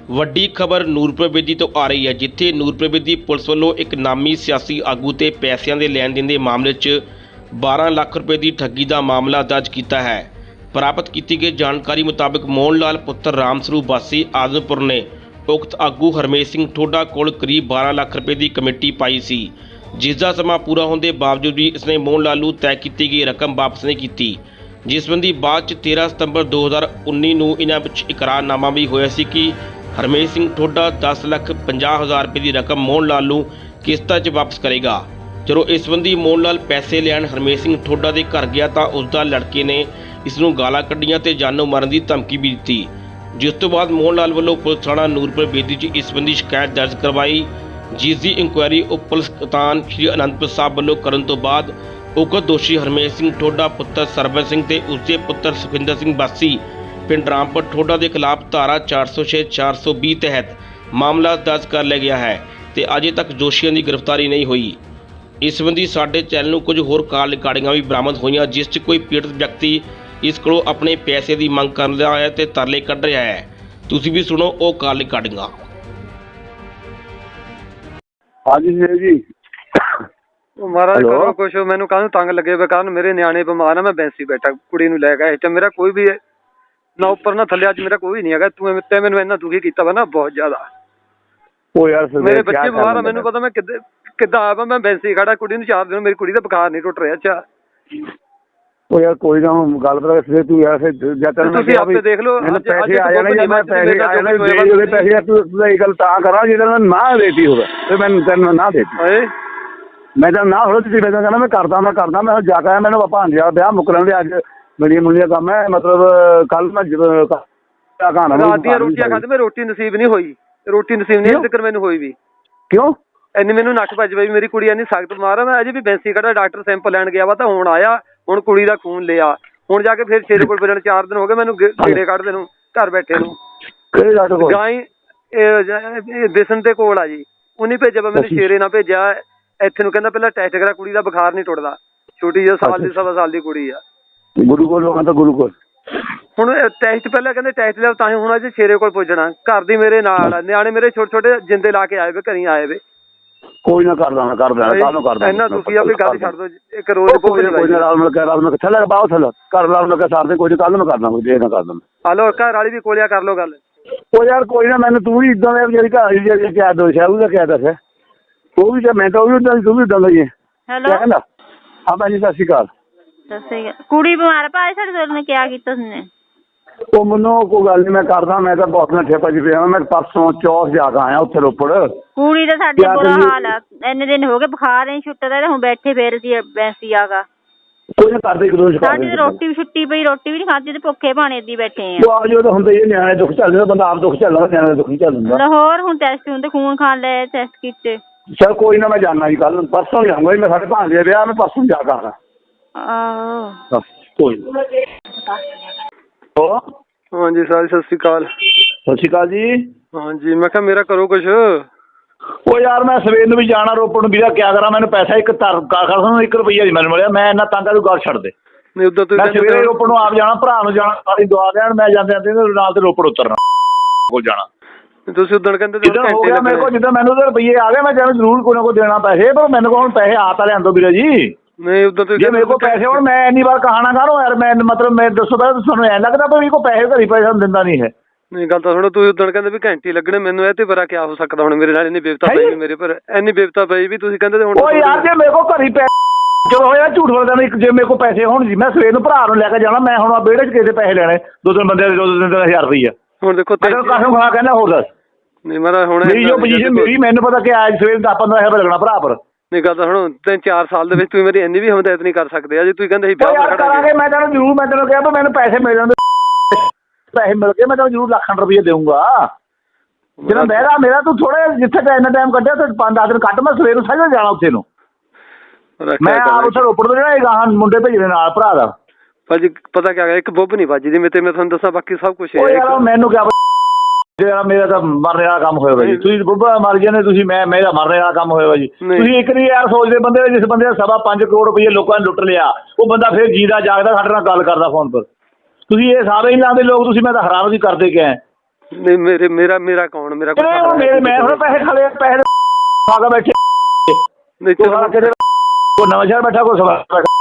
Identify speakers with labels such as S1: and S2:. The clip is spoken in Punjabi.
S1: ਵੱਡੀ ਖਬਰ ਨੂਰਪੁਰ ਬੇਦੀ ਤੋਂ ਆ ਰਹੀ ਹੈ, ਜਿੱਥੇ ਨੂਰਪੁਰ ਬੇਦੀ ਪੁਲਿਸ ਵੱਲੋਂ ਇੱਕ ਨਾਮੀ ਸਿਆਸੀ ਆਗੂ ਤੇ ਪੈਸਿਆਂ ਦੇ ਲੈਣ ਦੇਣ ਦੇ ਮਾਮਲੇ 'ਚ 12 ਲੱਖ ਰੁਪਏ ਦੀ ਠੱਗੀ ਦਾ ਮਾਮਲਾ ਦਰਜ ਕੀਤਾ ਹੈ। ਪ੍ਰਾਪਤ ਕੀਤੀ ਗਈ ਜਾਣਕਾਰੀ ਮੁਤਾਬਕ ਮੋਹਨ ਲਾਲ ਪੁੱਤਰ ਰਾਮ ਸਰੂਪ ਵਾਸੀ ਆਜ਼ਮਪੁਰ ਨੇ ਉਕਤ ਆਗੂ ਹਰਮੇਸ਼ ਸਿੰਘ ਠੋਡਾ ਕੋਲ ਕਰੀਬ 12 ਲੱਖ ਰੁਪਏ ਦੀ ਕਮੇਟੀ ਪਾਈ ਸੀ, ਜਿਸ ਦਾ ਸਮਾਂ ਪੂਰਾ ਹੋਣ ਦੇ ਬਾਵਜੂਦ ਵੀ ਇਸਨੇ ਮੋਹਨ ਲਾਲ ਨੂੰ ਤੈਅ ਕੀਤੀ ਗਈ ਰਕਮ ਵਾਪਸ ਨਹੀਂ ਕੀਤੀ, ਜਿਸ ਸੰਬੰਧੀ ਬਾਅਦ 'ਚ 13 ਸਤੰਬਰ 2019 ਨੂੰ ਇਹਨਾਂ ਵਿੱਚ ਇਕਰਾਰਨਾਮਾ ਵੀ ਹੋਇਆ ਸੀ ਕਿ ਹਰਮੇਸ਼ ਸਿੰਘ ਠੋਡਾ 10,50,000 ਰੁਪਏ ਦੀ ਰਕਮ ਮੋਹਨ ਲਾਲ ਨੂੰ ਕਿਸ਼ਤਾਂ 'ਚ ਵਾਪਸ ਕਰੇਗਾ। ਜਦੋਂ ਇਸ ਸੰਬੰਧੀ ਮੋਹਨ ਲਾਲ ਪੈਸੇ ਲੈਣ ਹਰਮੇਸ਼ ਸਿੰਘ ਠੋਡਾ ਦੇ ਘਰ ਗਿਆ ਤਾਂ ਉਸ ਦਾ ਲੜਕੇ ਨੇ ਇਸ ਨੂੰ ਗਾਲਾਂ ਕੱਢੀਆਂ ਤੇ ਜਾਨੋਂ ਮਾਰਨ ਦੀ ਧਮਕੀ ਵੀ ਦਿੱਤੀ, ਜਿਸ ਤੋਂ ਬਾਅਦ ਮੋਹਨ ਲਾਲ ਵੱਲੋਂ ਪੁਲਿਸ ਥਾਣਾ ਨੂਰਪੁਰ ਬੇਦੀ 'ਚ ਇਸ ਸੰਬੰਧੀ ਸ਼ਿਕਾਇਤ ਦਰਜ ਕਰਵਾਈ, ਜਿਸ ਦੀ ਇਨਕੁਆਇਰੀ ਉਪ ਪੁਲਿਸ ਕਪਤਾਨ ਸ਼੍ਰੀ ਅਨੰਦਪੁਰ ਸਾਹਿਬ ਵੱਲੋਂ ਕਰਨ ਤੋਂ ਬਾਅਦ ਉਕਤ ਦੋਸ਼ੀ ਹਰਮੇਸ਼ ਸਿੰਘ ਠੋਡਾ ਪੁੱਤਰ ਸਰਬਜਨ ਸਿੰਘ ਤੇ ਉਸਦੇ ਪੁੱਤਰ ਸੁਖਿੰਦਰ ਸਿੰਘ ਵਾਸੀ ਪਿੰਡ ਰਾਮਪੁਰ ਠੋਡਾ ਦੇ ਖਿਲਾਫ ਧਾਰਾ 406 420 ਤਹਿਤ ਮਾਮਲਾ ਦਰਜ ਕਰ ਲਿਆ ਗਿਆ ਹੈ ਤੇ ਅਜੇ ਤੱਕ ਦੋਸ਼ੀਆਂ ਦੀ ਗ੍ਰਿਫਤਾਰੀ ਨਹੀਂ ਹੋਈ। ਇਸ ਸੰਬੰਧੀ ਸਾਡੇ ਚੈਨਲ ਨੂੰ ਕੁਝ ਹੋਰ ਕਾਲ ਰਿਕਾਰਡਿੰਗਾਂ ਵੀ ਬਰਾਮਦ ਹੋਈਆਂ, ਜਿਸ 'ਚ ਕੋਈ ਪੀੜਤ ਵਿਅਕਤੀ ਇਸ ਕੋਲੋਂ ਆਪਣੇ ਪੈਸੇ ਦੀ ਮੰਗ ਕਰ ਰਿਹਾ ਹੈ ਤੇ ਤਰਲੇ ਕੱਢ ਰਿਹਾ ਹੈ। ਤੁਸੀਂ ਵੀ ਸੁਣੋ ਉਹ ਕਾਲ ਰਿਕਾਰਡਿੰਗਾਂ।
S2: ਹਾਂਜੀ ਜੀ
S3: ਮਹਾਰਾਜ ਕਰੋ ਕੁਛ, ਮੈਨੂੰ ਕਾਹਨੂੰ ਤੰਗ ਲੱਗੇ ਵੇ, ਕਾਰਨ ਮੇਰੇ ਨਿਆਣੇ ਬਿਮਾਰ ਆ, ਮੈਂ ਬੈਂਸੀ ਬੈਠਾ ਕੁੜੀ ਨੂੰ ਲੈ ਕੇ, ਮੇਰਾ ਕੋਈ ਵੀ ਨਾ ਉੱਪਰ ਨਾ ਥੱਲੇ, ਅੱਜ ਮੇਰਾ ਕੋਈ ਨਹੀਂ ਹੈਗਾ। ਤੂੰ ਤੇ ਮੈਨੂੰ ਇੰਨਾ ਦੁਖੀ ਕੀਤਾ ਵਾ ਨਾ ਬਹੁਤ ਜ਼ਿਆਦਾ।
S2: ਉਹ ਯਾਰ
S3: ਮੇਰੇ ਬੱਚੇ ਬਿਮਾਰ ਆ, ਮੈਨੂੰ ਪਤਾ ਮੈਂ ਕਿੱਦਾਂ ਆਵਾਂ, ਮੈਂ ਬੈਂਸੀ ਖੜਾ ਕੁੜੀ ਨੂੰ 4 ਦਿਨ, ਮੇਰੀ ਕੁੜੀ ਦਾ ਬੁਖਾਰ ਨਹੀਂ ਟੁੱਟ ਰਿਹਾ। ਅੱਛਾ
S2: ਉਹ ਯਾਰ ਕੋਈ ਨਾ ਗੱਲ ਪਤਾ ਫਿਰ ਤੂੰ ਯਾਰ ਫਿਰ ਜਦ ਤੱਕ
S3: ਤੁਸੀਂ ਆਪੇ ਦੇਖ ਲਓ
S2: ਪੈਸੇ ਆ ਜਾਣੇ ਜਾਂ ਮੈਂ ਪੈਸੇ ਆ ਜਾਣੇ ਦੇ ਪੈਸੇ ਤੂੰ ਇਹ ਗੱਲ ਤਾਂ ਕਰਾਂ ਜਿਹਦਾ ਮੈਂ ਨਾ ਦੇਤੀ ਹੋਵੇ ਤੇ ਮੈਂ ਤੈਨੂੰ ਨਾ ਦੇਤੀ, ਮੈਂ ਤਾਂ ਨਾ ਹੋਵੇ ਤੁਸੀਂ ਮੈਂ ਕਹਿੰਦਾ ਮੈਂ ਕਰਦਾ ਮੈਂ ਜਾ ਕੇ ਮੈਨੂੰ ਭਾਂਜਿਆ ਵਿਆਹ ਮੁੱਕਰਨ ਦੇ ਅੱਜ ਮੇਰੀਆਂ ਮੁੰਡੀਆਂ ਕੰਮ ਹੈ, ਮਤਲਬ ਕੱਲ ਮੈਂ
S3: ਰਾਤ ਦੀਆਂ ਰੋਟੀਆਂ ਖਾਂਦੇ, ਮੈਂ ਰੋਟੀ ਨਸੀਬ ਨਹੀਂ ਹੋਈ, ਰੋਟੀ ਨਸੀਬ ਨਹੀਂ ਜ਼ਿਕਰ ਮੈਨੂੰ ਹੋਈ ਵੀ।
S2: ਕਿਉਂ
S3: ਇੰਨੀ ਮੈਨੂੰ ਨੱਕ ਭੱਜ ਪਈ, ਮੇਰੀ ਕੁੜੀ ਇੰਨੀ ਸਖਤ ਬਿਮਾਰ ਆ, ਮੈਂ ਅਜੇ ਵੀ ਬੈਂਸੀ ਖੜਾ, ਡਾਕਟਰ ਸੈਂਪਲ ਲੈਣ ਗਿਆ ਵਾ ਤਾਂ ਹੁਣ ਆਇਆ, ਹੁਣ ਕੁੜੀ ਦਾ ਖੂਨ ਲਿਆ, ਹੁਣ ਜਾ ਕੇ ਫਿਰ ਸ਼ੇਰੇ ਕੋਲ ਫਿਰਨ 4 ਦਿਨ ਹੋ ਗਏ ਮੈਨੂੰ ਕੀੜੇ ਕੱਢਦੇ ਨੂੰ ਘਰ ਬੈਠੇ ਨੂੰ।
S2: ਕਿਹੜੇ ਡਾਕਟਰ ਕੋਲ?
S3: ਗਾਈ ਦਿਸਣ ਦੇ ਕੋਲ ਆ ਜੀ, ਉਹਨੇ ਭੇਜਿਆ ਵਾ ਮੈਨੂੰ, ਸ਼ੇਰੇ ਨਾਲ ਭੇਜਿਆ ਇੱਥੇ ਨੂੰ, ਕਹਿੰਦਾ ਪਹਿਲਾਂ ਟੈਸਟ ਕਰਾ, ਕੁੜੀ ਦਾ ਬੁਖਾਰ ਨਹੀਂ ਟੁੱਟਦਾ, ਛੋਟੀ ਜਿਹੀ ਸਾਲ ਦੀ 1.25 ਸਾਲ ਦੀ ਕੁੜੀ ਆ।
S2: ਗੁਰੂ ਕੋਲ ਲੋਕਾਂ ਤਾਂ ਗੁਰੂ ਕੋਲ
S3: ਹੁਣ ਟੈਸਟ ਪਹਿਲਾਂ ਕਹਿੰਦੇ ਟੈਸਟ ਲਿਆ, ਤਾਂ ਹੀ ਹੁਣ ਅੱਜ ਸ਼ੇਰੇ ਕੋਲ ਪੁੱਜਣਾ, ਘਰ ਦੀ ਮੇਰੇ ਨਾਲ ਆ, ਨਿਆਣੇ ਮੇਰੇ ਛੋਟੇ ਛੋਟੇ ਜਿੰਦੇ ਲਾ ਕੇ ਆਏ ਵੇ, ਘਰੀ ਆਏ ਵੇ।
S2: ਕੋਈ ਨਾ ਕਰ ਦਾਂ ਕਾਹਨੂੰ ਕਰਦਾ
S3: ਇੰਨਾ ਦੁਖੀ ਆ ਵੀ ਗੱਲ ਛੱਡ ਦੋ, ਇੱਕ ਰੋਜ਼
S2: ਕੋਈ ਨਾ ਰਾਲ ਮਿਲ ਕੇ ਥੱਲੇ ਬਾਹਰ ਥੱਲੇ ਘਰ ਨਾਲ ਮਿਲ ਕੇ ਸਾਰਦੇ, ਕੋਈ ਕੱਲ ਨੂੰ ਕਰਦਾ ਕੋਈ ਦੇਖ ਨਾ ਕਰਦਾ।
S3: ਹਲੋ ਘਰ ਵਾਲੀ ਵੀ ਕੋਲਿਆ ਕਰ ਲੋ ਗੱਲ।
S2: ਉਹ ਯਾਰ ਕੋਈ ਨਾ, ਮੈਨੂੰ ਤੂੰ ਵੀ ਇਦਾਂ ਦਾ ਜਿਹੜੀ ਘਰ ਜਿਹੜੀ ਕਿਆ ਦੋਸ਼ ਹੈ ਉਹਦਾ ਕਿਆ ਦੱਸ, ਉਹ ਵੀ ਮੈਂ ਤਾਂ ਉਹ ਵੀ ਉਦਾਂ ਤੂੰ ਵੀ ਉਦਾਂ ਦਾ ਹੀ ਹੈ।
S4: ਹੈਲੋ
S2: ਕਹਿੰਦਾ ਹਾਂ ਭਾਜੀ ਸਤਿ ਸ਼੍ਰੀ ਅਕਾਲ।
S4: ਕੁੜੀ ਬਿਮਾਰ ਭਾਈ ਸਾਡੇ ਦੋਸਤ ਨੇ ਕਿਆ ਕੀਤਾ ਉਸਨੇ?
S2: ਉਹ ਮੈਨੂੰ ਕੋਈ ਗੱਲ ਨਹੀਂ, ਮੈਂ ਕਰਦਾ, ਮੈਂ ਤਾਂ ਬਹੁਤ ਨਾ ਠੇਪਾ ਜੀ ਪਿਆ, ਮੈਂ ਪਰਸੋਂ ਚੌਥ ਜਾ ਕੇ ਆਇਆ ਉੱਥੇ ਰੋਪੜ।
S4: ਕੁੜੀ ਦਾ ਸਾਡੇ ਬੁਰਾ ਹਾਲ ਆ, ਇੰਨੇ ਦਿਨ ਹੋ ਗਏ ਬੁਖਾਰ ਨਹੀਂ ਛੁੱਟਦਾ ਤੇ ਹੁਣ ਬੈਠੇ ਫੇਰ ਸੀ ਬੈਂਸੀ ਆਗਾ।
S2: ਕੋਈ ਨਾ ਕਰਦੇ ਇੱਕ ਦੋ
S4: ਸਾਡੀ ਰੋਟੀ ਵੀ ਛੁੱਟੀ ਪਈ, ਰੋਟੀ ਵੀ ਨਹੀਂ ਖਾਧੀ ਤੇ ਭੁੱਖੇ ਭਾਣੇ ਏਦੀ ਬੈਠੇ ਆ।
S2: ਉਹ ਆ ਜੋ ਤਾਂ ਹੁੰਦਾ ਹੀ, ਨਿਆਣੇ ਦੁੱਖ ਚੱਲਦਾ, ਬੰਦਾ ਆਪ ਦੁੱਖ ਚੱਲਦਾ, ਨਿਆਣੇ ਦੁੱਖ ਨਹੀਂ ਚੱਲਦਾ।
S4: ਲਾਹੌਰ ਹੁਣ ਟੈਸਟ ਹੁੰਦੇ, ਖੂਨ ਖਾਣ ਲਏ, ਟੈਸਟ ਕੀਤੇ।
S2: ਚਲ ਕੋਈ ਨਾ, ਮੈਂ ਜਾਣਾ ਜੀ ਕੱਲ ਪਰਸੋਂ ਜਾਊਂਗਾ ਜੀ, ਮੈਂ ਸਾਡੇ ਭਾਂਜੇ ਦੇ ਵਿਆਹ, ਮੈਂ ਪਰਸੋਂ ਜਾ ਕੇ ਆਉਣਾ।
S4: ਆਹੋ
S2: ਕੋਈ ਨਾ।
S3: ਹਾਂਜੀ ਸਰ ਸਤਿ ਸ਼੍ਰੀ ਅਕਾਲ।
S2: ਸਤਿ ਸ਼੍ਰੀ ਅਕਾਲ ਜੀ।
S3: ਹਾਂਜੀ ਮੈਂ ਕਿਹਾ ਮੇਰਾ ਕਰੋ ਕੁਛ।
S2: ਉਹ ਯਾਰ ਮੈਂ ਸਵੇਰ ਨੂੰ ਵੀ ਜਾਣਾ ਰੋਪੜ ਨੂੰ, ਵੀਰਾ ਕਿਆ ਕਰਾਂ, ਮੈਨੂੰ ਪੈਸਾ ਇੱਕ $1 ਰੁਪਈਆ ਜੀ ਮੈਨੂੰ ਮਿਲਿਆ, ਮੈਂ ਇੰਨਾ ਤੰਗ ਆ, ਤੂੰ ਗੱਲ ਛੱਡ ਦੇ।
S3: ਨਹੀਂ ਉਦਾਂ
S2: ਮੈਂ ਸਵੇਰੇ ਰੋਪੜ ਨੂੰ ਆਪ ਜਾਣਾ, ਭਰਾ ਨੂੰ ਜਾਣਾ, ਸਾਰੀ ਦੁਆ ਦੇਣ, ਮੈਂ ਜਾਂਦੇ ਨਾਲ ਤੇ ਰੋਪੜ ਉਤਰਨਾ ਕੋਲ ਜਾਣਾ।
S3: ਤੁਸੀਂ ਉਦੋਂ ਕਹਿੰਦੇ
S2: ਜਿੱਦਾਂ ਹੋ ਗਿਆ ਮੇਰੇ ਕੋਲ, ਜਿੱਦਾਂ ਮੈਨੂੰ ਤਾਂ ਰੁਪਈਏ ਆ ਗਏ, ਮੈਂ ਜਾਣਾ ਜ਼ਰੂਰ ਕੋਈ ਨਾ ਕੋਈ ਦੇਣਾ ਪੈਸੇ, ਪਰ ਮੈਨੂੰ ਕੋਲ ਹੁਣ ਪੈਸੇ ਆ ਤਾਂ ਲਿਆਂਦੋ ਵੀਰਾ ਜੀ।
S3: ਨਹੀਂ ਉਦੋਂ
S2: ਜੇ ਮੇਰੇ ਕੋਲ ਪੈਸੇ ਹੁਣ ਮੈਂ ਇੰਨੀ ਵਾਰ ਕਹਾਣਾ ਕਰੋ ਯਾਰ, ਮੈਂ ਮਤਲਬ ਮੈਂ ਦੱਸੋ ਪਹਿਲਾਂ ਤੁਹਾਨੂੰ ਐਂ ਲੱਗਦਾ ਵੀ ਮੇਰੇ ਕੋਲ ਪੈਸੇ ਘਰੀ ਪੈਸਾ ਦਿੰਦਾ ਨਹੀਂ ਹੈ।
S3: ਨਹੀਂ ਗੱਲ ਤਾਂ ਸੁਣੋ, ਤੁਸੀਂ ਉਦੋਂ ਕਹਿੰਦੇ ਵੀ ਘੰਟੇ ਲੱਗਣੇ, ਮੈਨੂੰ ਇਹ ਤੇ ਬੜਾ ਕਿਆ ਹੋ ਸਕਦਾ ਹੁਣ, ਮੇਰੇ ਨਾਲ ਇੰਨੀ ਬੇਵਤਾ ਪਈ ਵੀ, ਮੇਰੇ ਪਰ ਇੰਨੀ ਬੇਵਤਾ ਪਈ ਵੀ, ਤੁਸੀਂ ਕਹਿੰਦੇ ਹੁਣ
S2: ਉਹ ਯਾਰ ਜੇ ਮੇਰੇ ਕੋਲ ਘਰੀ ਚਲੋ ਹੋਇਆ ਝੂਠ ਬੋਲਦਾ ਨਹੀਂ, ਜੇ ਮੇਰੇ ਕੋਲ ਪੈਸੇ ਹੋਣ ਜੀ, ਮੈਂ ਸਵੇਰ ਨੂੰ ਭਰਾ ਨੂੰ ਲੈ ਕੇ ਜਾਣਾ, ਮੈਂ ਹੁਣ ਵਿਹੜੇ 'ਚ ਕਿਸੇ ਪੈਸੇ ਲੈਣੇ, 2-3 ਬੰਦੇ ਦੇ 2-3 ਹਜ਼ਾਰ ਰੁਪਈਆ। ਹੁਣ ਦੇਖੋ ਕਾਹਨੂੰ ਖਾ ਕਹਿੰਦਾ ਹੋਰ ਦੱਸ। ਨਹੀਂ ਮੇਰਾ ਹੁਣ ਮੇਰੀ ਜੋ ਪੋਜੀਸ਼ਨ ਮੇਰੀ, ਮੈਨੂੰ ਪਤਾ ਕਿ ਅੱਜ ਸਵੇਰ 10-15 ਹਜ਼ਾਰ ਲੱਗਣਾ ਭਰਾ ਪਰ। ਨਹੀਂ ਗੱਲ ਤਾਂ ਹੁਣ 3-4 ਸਾਲ ਦੇ ਵਿੱਚ ਤੁਸੀਂ ਮੇਰੀ ਇੰਨੀ ਵੀ ਹਮਦਰਦ ਨਹੀਂ ਕਰ ਸਕਦੇ, ਅਜੇ ਤੁਸੀਂ ਕਹਿੰਦੇ ਸੀ ਵਿਆਹ ਕਰਾਂਗੇ। ਮੈਂ ਤੈਨੂੰ ਜ਼ਰੂਰ, ਮੈਂ ਤੈਨੂੰ ਕਿਹਾ ਮੈਨੂੰ ਪੈਸੇ ਮਿਲ ਜਾਂਦੇ, ਪੈਸੇ ਮਿਲ ਗਏ ਮੈਂ ਤੈਨੂੰ ਜ਼ਰੂਰ ਲੱਖਾਂ ਰੁਪਈਏ ਦੇਊਂਗਾ। ਜਿਹੜਾ ਮੇਰਾ ਤੂੰ ਥੋੜਾ ਜਿੱਥੇ ਇੰਨਾ ਟਾਈਮ ਕੱਢਿਆ ਤੇ 5-10 ਦਿਨ ਕੱਢ, ਮੈਂ ਸਵੇਰ ਨੂੰ ਸਾਜਾ ਜਾਣਾ ਉੱਥੇ ਨੂੰ, ਮੈਂ ਆਪ ਉੱਥੇ ਰੋਪੜ ਤੋਂ ਜਿਹੜਾ ਗਾਹਾਂ ਮੁੰਡੇ ਭੇਜਣੇ ਨਾਲ ਭਰਾ ਦਾ।
S3: ਭਾਜੀ ਪਤਾ ਕਿਆ ਇੱਕ ਬੁੱਬ ਨਹੀਂ ਵੱਜਦੀ ਮੇਰੇ, ਮੈਂ ਤੁਹਾਨੂੰ ਦੱਸਾਂ ਬਾਕੀ ਸਭ ਕੁਛ
S2: ਮੈਨੂੰ ਕਿਆ ਮੇਰਾ ਤਾਂ ਮਰਨੇ ਵਾਲਾ ਕੰਮ ਹੋਇਆ ਵਾ ਜੀ, ਤੁਸੀਂ ਬੁੱਬਾ ਮਰ ਜਾਂਦੇ ਤੁਸੀਂ, ਮੇਰਾ ਮਰਨੇ ਵਾਲਾ ਕੰਮ ਹੋਇਆ ਵਾ ਜੀ। ਤੁਸੀਂ ਇੱਕ ਨਹੀਂ ਯਾਰ ਸੋਚਦੇ ਬੰਦੇ, ਜਿਸ ਬੰਦੇ ਦਾ 5.25 ਕਰੋੜ ਰੁਪਈਏ ਲੋਕਾਂ ਨੇ ਲੁੱਟ ਲਿਆ, ਉਹ ਬੰਦਾ ਫਿਰ ਜੀਦਾ ਜਾਗਦਾ ਸਾਡੇ ਨਾਲ ਗੱਲ ਕਰਦਾ ਫੋਨ ਪਰ। ਤੁਸੀਂ ਇਹ ਸਾਰੇ ਹੀ ਲਾਉਂਦੇ ਲੋਕ, ਤੁਸੀਂ ਮੈਂ ਤਾਂ ਹੈਰਾਨ ਵੀ ਕਰਦੇ ਗਏ।
S3: ਨਹੀਂ ਮੇਰਾ ਕੌਣ ਮੇਰਾ
S2: ਮੈਂ ਹੁਣ ਪੈਸੇ ਖਾਲੇ ਪੈਸੇ ਖਾ ਕੇ ਬੈਠੇ ਨਹੀਂ ਤੂੰ ਕਿਤੇ ਨਵਾਂ ਸ਼ਹਿਰ ਬੈਠਾ ਕੋਈ ਸਵਾ